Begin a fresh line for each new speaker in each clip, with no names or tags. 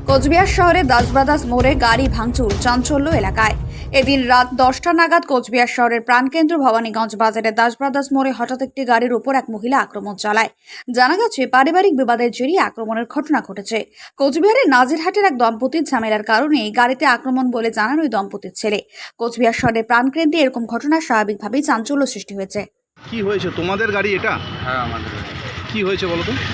কোচবিহার শহরে দাস ব্রাদার্স মোড়ে গাড়ি ভাঙচুর, চাঞ্চল্য এলাকায়। এদিন রাত 10টা নাগাদ কোচবিহার শহরের প্রাণকেন্দ্র ভবানীগঞ্জ বাজারের দাস ব্রাদার্স মোড়ে হঠাৎ একটি গাড়ির উপর এক মহিলা আক্রমণ চালায়। জানা গেছে পারিবারিক বিবাদের জেরে আক্রমণের ঘটনা ঘটেছে। কোচবিহারের নাজিরহাটের এক দম্পতির ঝামেলার কারণে এই গাড়িতে আক্রমণ বলে জানান ওই দম্পতির ছেলে। কোচবিহার শহরের প্রাণকেন্দ্রে এরকম ঘটনা স্বাভাবিকভাবেই চাঞ্চল্য সৃষ্টি হয়েছে।
কি হয়েছে? তোমাদের গাড়ি এটা?
হ্যাঁ, আমাদের বাড়ি।
কি হয়েছে বলো তো?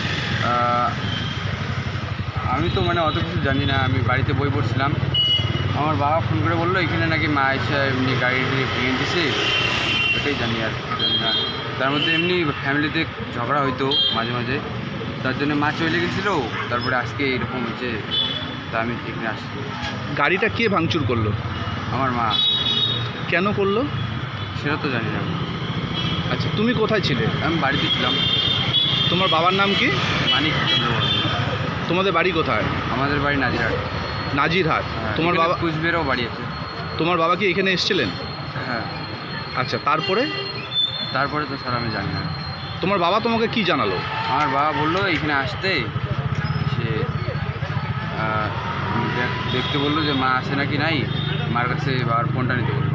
আমি তো অত কিছু জানি না। আমি বাড়িতে বই পড়ছিলাম। আমার বাবা ফোন করে বললো এখানে নাকি মা এসে এমনি গাড়ি ভেঙে দিছে। এটাই জানি, আর জানি না। তার মধ্যে এমনি ফ্যামিলিতে ঝগড়া হইতো মাঝে মাঝে, তার জন্য মা চলে গেছিলো। তারপরে আজকে এরকম হয়েছে, তা আমি এখানে আসছি।
গাড়িটা কে ভাঙচুর করলো?
আমার মা।
কেন করলো
সেটা তো জানি না।
আচ্ছা, তুমি কোথায় ছিলে?
আমি বাড়িতে ছিলাম।
তোমার বাবার নাম কি?
মানিক চন্দ্রবর্মন।
তোমাদের বাড়ি কোথায়?
আমাদের বাড়ি নাজিরহাট।
নাজিরহাট।
হ্যাঁ,
তোমার
এখানে
বাবা?
কুচবিহারেও বাড়ি আছে।
তোমার বাবা কি এখানে এসেছিলেন?
হ্যাঁ।
আচ্ছা, তারপরে?
তারপরে তো স্যার আমি জানি না।
তোমার বাবা তোমাকে কি জানালো?
আমার বাবা বললো এখানে আসতে, সে দেখতে বললো যে মা আসে নাকি নাই, মার কাছে বাবার ফোনটা নিতে বললো।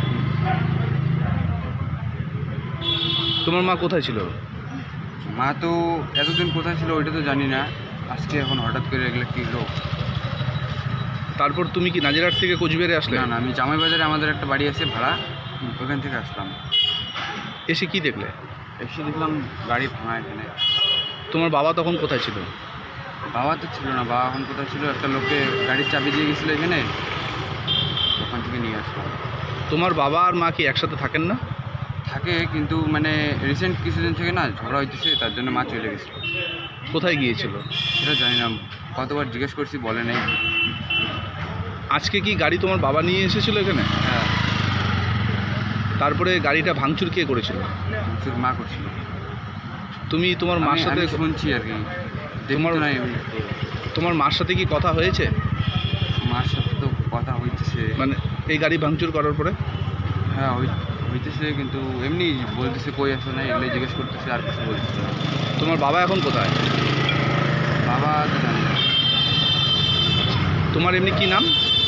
তোমার মা কোথায় ছিল?
মা তো এতদিন কোথায় ছিল ওইটা তো জানি না। আজকে এখন হঠাৎ করে এগুলো কী হলো।
তারপর তুমি কি নাজিরহাট থেকে কোচবিহারে আসলে?
না না, আমি জামাই বাজারে আমাদের একটা বাড়ি আছে ভাড়া, ওখান থেকে আসলাম।
এসে কি দেখলে?
এসে দেখলাম গাড়ি ভাঙা এখানে।
তোমার বাবা তখন কোথায় ছিল?
বাবা তো ছিল না। বাবা এখন কোথায় ছিল, একটা লোককে গাড়ির চাবি দিয়ে গেছিলো এখানে, ওখান থেকে নিয়ে আসলাম।
তোমার বাবা আর মা কি একসাথে থাকেন না?
থাকে, কিন্তু রিসেন্ট কিছুদিন থেকে না ঝগড়া হইতেছে, তার জন্য মা চলে গেছিল।
কোথায় গিয়েছিল?
সেটা জানি না, কতবার জিজ্ঞেস করছি বলে নেই।
আজকে কি গাড়ি তোমার বাবা নিয়ে এসেছিল এখানে?
হ্যাঁ,
তারপরে গাড়িটা ভাঙচুর কে করেছিল?
শুধু মা করছিল।
তুমি তোমার মার সাথে?
আমি শুনছি আর কি,
তোমার
দেখতো না এমনি।
তোমার মার সাথে কি কথা হয়েছে?
মার সাথে তো কথা হইতেছে।
মানে এই গাড়ি ভাঙচুর করার পরে?
হ্যাঁ, হইতেছে, কিন্তু এমনি বলতেছে কই আসো না, এগুলো জিজ্ঞেস করতেছে, আর কিছু বলতেছে না।
তোমার বাবা এখন কোথায়?
বাবা তো জানি না।
তোমার এমনি কি নাম?